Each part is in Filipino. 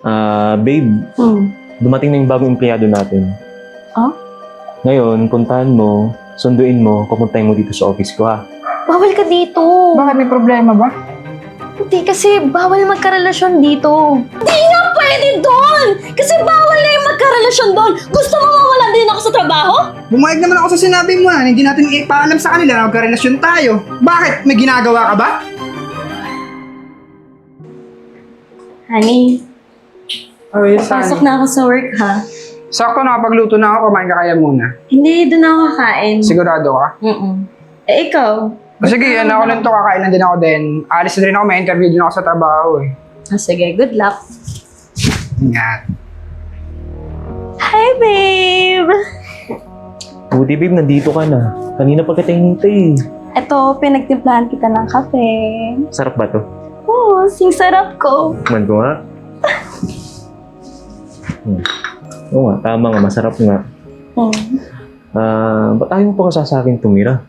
Babe, dumating na yung bagong empleyado natin. Oh? Ngayon, puntahan mo, sunduin mo, papuntahin mo dito sa office ko ha. Bawal ka dito. Bakit may problema ba? Hindi kasi bawal magkarelasyon dito. Di nga pwede doon! Kasi bawal na yung magkarelasyon doon. Gusto mo mawalan din ako sa trabaho? Bumayag naman ako sa sinabi mo hindi natin ipaalam sa kanila na magkarelasyon tayo. Bakit? May ginagawa ka ba? Honey, Okay, pasok na ako sa work ha. Sakto nakapagluto na ako, kumain ka kaya muna. Hindi, doon ako kakain. Sigurado ka? Ikaw? Sige, ako lang to, kakain lang din ako din. Alis na rin ako, may interview din ako sa trabaho Sige, good luck. Ingat. Hi, babe! Buti babe, nandito ka na. Kanina pa kita hinintay. Eto, pinagtimplahan kita ng kape. Sarap ba to? Oo, sing sarap ko. Man ko nga. Oo nga, tama nga, masarap nga. Ba't ayaw mo pa kasi sa akin tumira?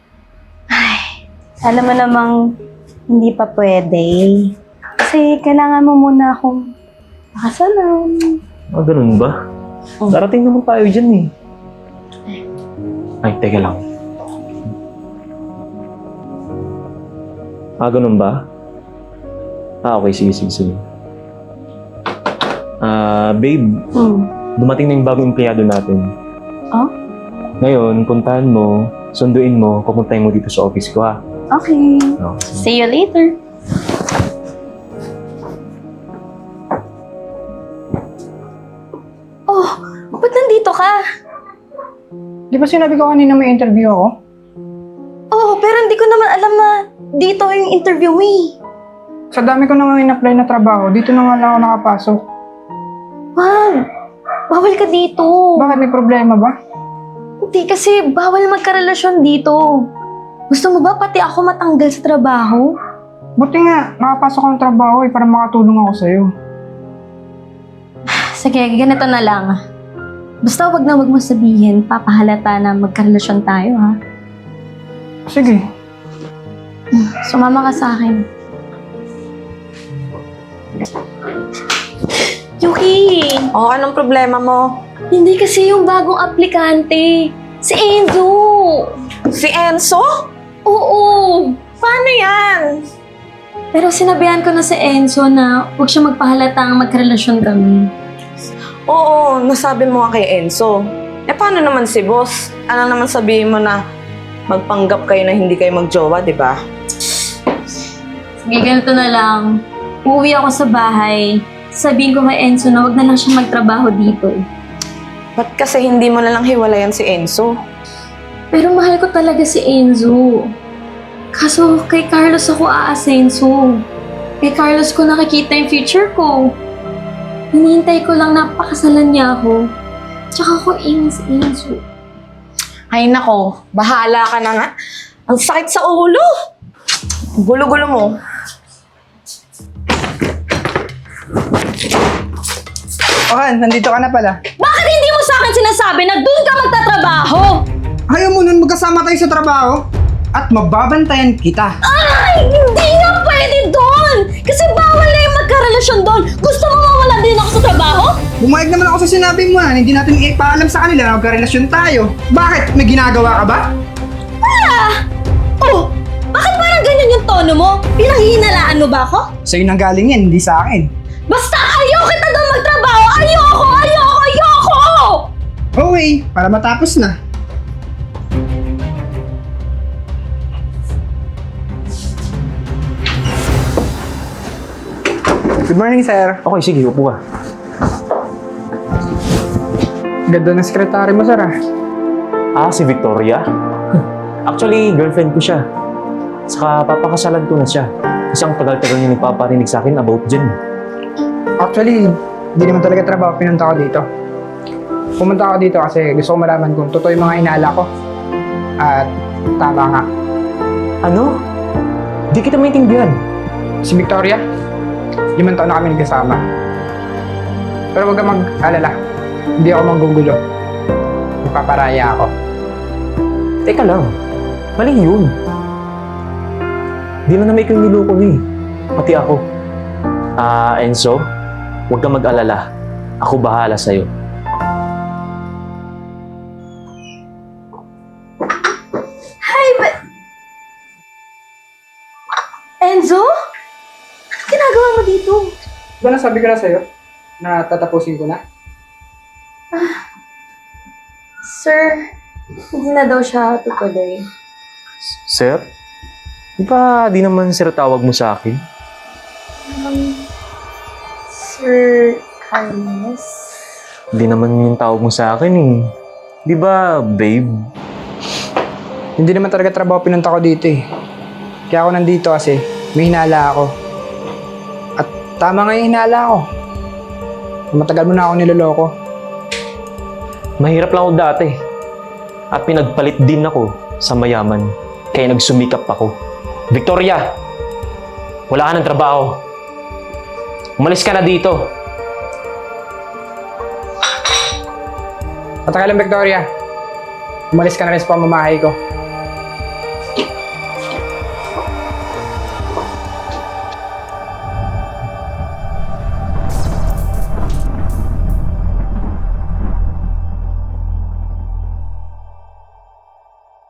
Alam mo namang hindi pa pwede. Kasi kailangan mo muna akong makasalan. Ganun ba? Darating naman tayo dyan eh. Ay, teka lang. Ganun ba? Okay, sige. Babe, dumating na yung bagong empleyado natin. Oh? Ngayon, puntahan mo, sunduin mo, papuntahin mo dito sa office ko ha. Okay. No. See you later. Oh, ba't nandito ka? Di ba sinabi ko kanina may interview ako? Oh, pero hindi ko naman alam na dito yung interview mo eh. Sa dami ko nang in-apply na trabaho, dito na nga lang ako nakapasok. Wag! Bawal ka dito. Bakit may problema ba? Hindi kasi bawal magkarelasyon dito. Gusto mo ba pati ako matanggal sa trabaho? Buti nga, nakapasok ako ng trabaho para makatulong ako sa'yo. Sige, ganito na lang. Basta wag na wag mo sabihin, papahalata na magkarelasyon tayo ha. Sige. Sumama ka sa akin. Yuki! Oh, anong problema mo? Hindi kasi yung bagong aplikante. Si Enzo! Si Enzo? Oo! Paano yan? Pero sinabihan ko na si Enzo na huwag siya magpahalatang magkarelasyon kami. Oo, nasabi mo nga kay Enzo. Paano naman si boss? Ano naman sabihin mo na magpanggap kayo na hindi kayo magjowa, di ba? Sige, ganito na lang. Uuwi ako sa bahay. Sabihin ko kay Enzo na huwag na lang siya magtrabaho dito. Ba't kasi hindi mo na lang hiwalayan si Enzo? Pero mahal ko talaga si Enzo. Kaso kay Carlos ako aasenso. Kay Carlos ko nakikita yung future ko. Hinihintay ko lang na pakasalan niya ako. Tsaka ako si Enzo. Ay nako, bahala ka na nga. Ang sakit sa ulo. Gulo-gulo mo. Nandito ka na pala. Bakit hindi mo sa akin sinasabi na doon ka magtatrabaho? Ayaw mo nun magkasama tayo sa trabaho? At mababantayan kita. Ay! Hindi nga pwede doon! Kasi bawal na yung magkarelasyon doon. Gusto mo mawalan din ako sa trabaho? Bumayag naman ako sa sinabi mo hindi natin ipaalam sa kanila na magkarelasyon tayo. Bakit? May ginagawa ka ba? Wala! Oh! Bakit parang ganyan yung tono mo? Pinanghihinalaan mo ba ako? Sa'yo nang galing yan, hindi sa akin. Basta ayaw kita doon magtrabaho! Ayoko! Okay, para matapos na. Good morning, sir. Okay, sige, upo ka. Ganda ng sekretary mo, sir Si Victoria? Actually, girlfriend ko siya. Saka papakasalan ko na siya. Kasi ang tagal-tagal niya nagpaparinig sa akin about dyan. Actually, hindi naman talaga trabaho pinunta ko dito. Pumunta ako dito kasi gusto ko malaman kung totoo yung mga inaala ko. At tama nga. Ano? Di kita maintindihan. Si Victoria, 5 taon na kami nagkasama. Pero huwag kang mag-alala. Hindi ako manggugulo. Ipaparaya ako. Teka lang. Mali yun. Di na naman ikaw yung niloko niya eh. Pati ako. Enzo, Huwag kang mag-alala. Ako bahala sa'yo. Enzo? Anong ginagawa mo dito? Diba nasabi ko na sa'yo na tatapusin ko na? Sir, hindi na daw siya tutuloy. Sir? Di ba di naman sir tawag mo sa akin? Sir Carlos? Di naman yung tawag mo sa akin eh. Di ba, babe? Hindi naman talaga trabaho pinunta ko dito eh. Kaya ako nandito kasi may hinala ako. At tama nga yung hinala ko. Matagal mo na ako niloloko. Mahirap lang ako dati. At pinagpalit din ako sa mayaman. Kaya nagsumikap ako. Victoria! Wala ka ng trabaho. Umalis ka na dito. Pataka lang, Victoria. Umalis ka na rin sa pamamahay ko.